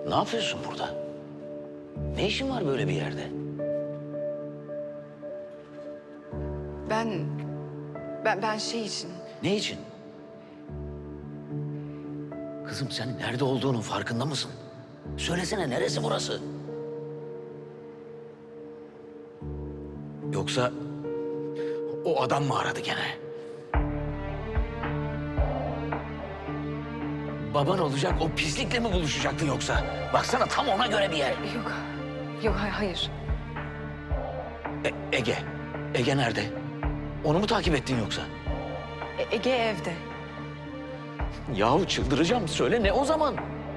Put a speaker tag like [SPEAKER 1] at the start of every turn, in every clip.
[SPEAKER 1] Ne yapıyorsun burada? Ne işin var böyle bir yerde?
[SPEAKER 2] Ben şey için...
[SPEAKER 1] Ne için? Kızım sen nerede olduğunun farkında mısın? Söylesene neresi burası? Yoksa o adam mı aradı gene? Baban olacak o pislikle mi buluşacaktın yoksa? Baksana tam ona göre bir yer.
[SPEAKER 2] Yok hayır.
[SPEAKER 1] Ege. Ege nerede? Onu mu takip ettin yoksa?
[SPEAKER 2] Ege evde.
[SPEAKER 1] Yahu çıldıracağım. Söyle ne o zaman?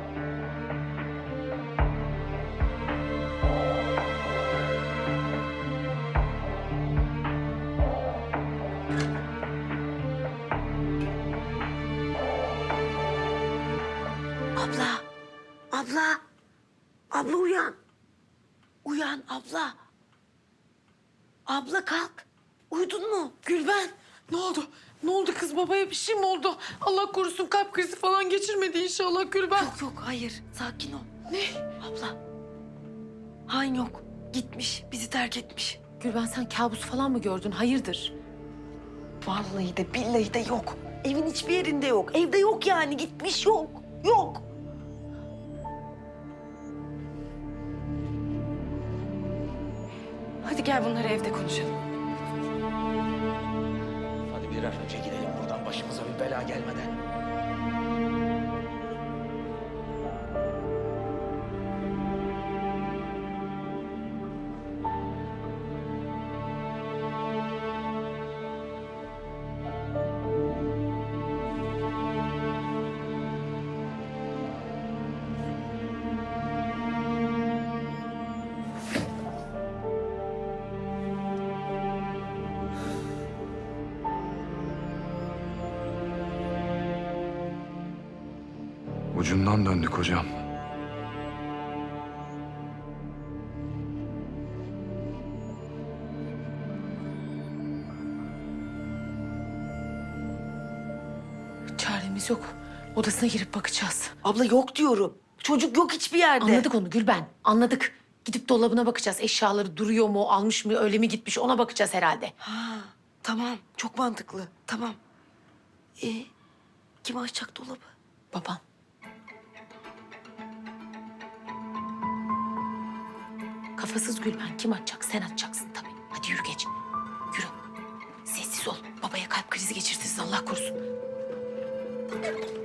[SPEAKER 3] Abla uyan. Uyan abla. Abla kalk. Uyudun mu? Gülben.
[SPEAKER 4] Ne oldu? Ne oldu kız, babaya bir şey mi oldu? Allah korusun, kalp krizi falan geçirmedi inşallah Gülben.
[SPEAKER 3] Yok hayır. Sakin ol. Ne? Abla. Han yok. Gitmiş. Bizi terk etmiş.
[SPEAKER 4] Gülben, sen kabus falan mı gördün? Hayırdır?
[SPEAKER 3] Vallahi de billahi de yok. Evin hiçbir yerinde yok. Evde yok yani. Gitmiş yok. Yok.
[SPEAKER 2] Hadi gel bunları evde konuşalım.
[SPEAKER 1] Hadi bir an önce gidelim buradan başımıza bir bela gelmeden.
[SPEAKER 5] Ucundan döndük hocam.
[SPEAKER 4] Çaremiz yok. Odasına girip bakacağız.
[SPEAKER 3] Abla yok diyorum. Çocuk yok hiçbir yerde.
[SPEAKER 4] Anladık onu Gülben, anladık. Gidip dolabına bakacağız. Eşyaları duruyor mu, almış mı, öyle mi gitmiş, ona bakacağız herhalde.
[SPEAKER 3] Ha, tamam. Çok mantıklı. Tamam. Kim açacak dolabı?
[SPEAKER 4] Babam. Kafasız Gülben, kim açacak? Sen açacaksın tabii. Hadi yürü geç. Yürü. Sessiz ol. Babaya kalp krizi geçirtirsin, Allah korusun.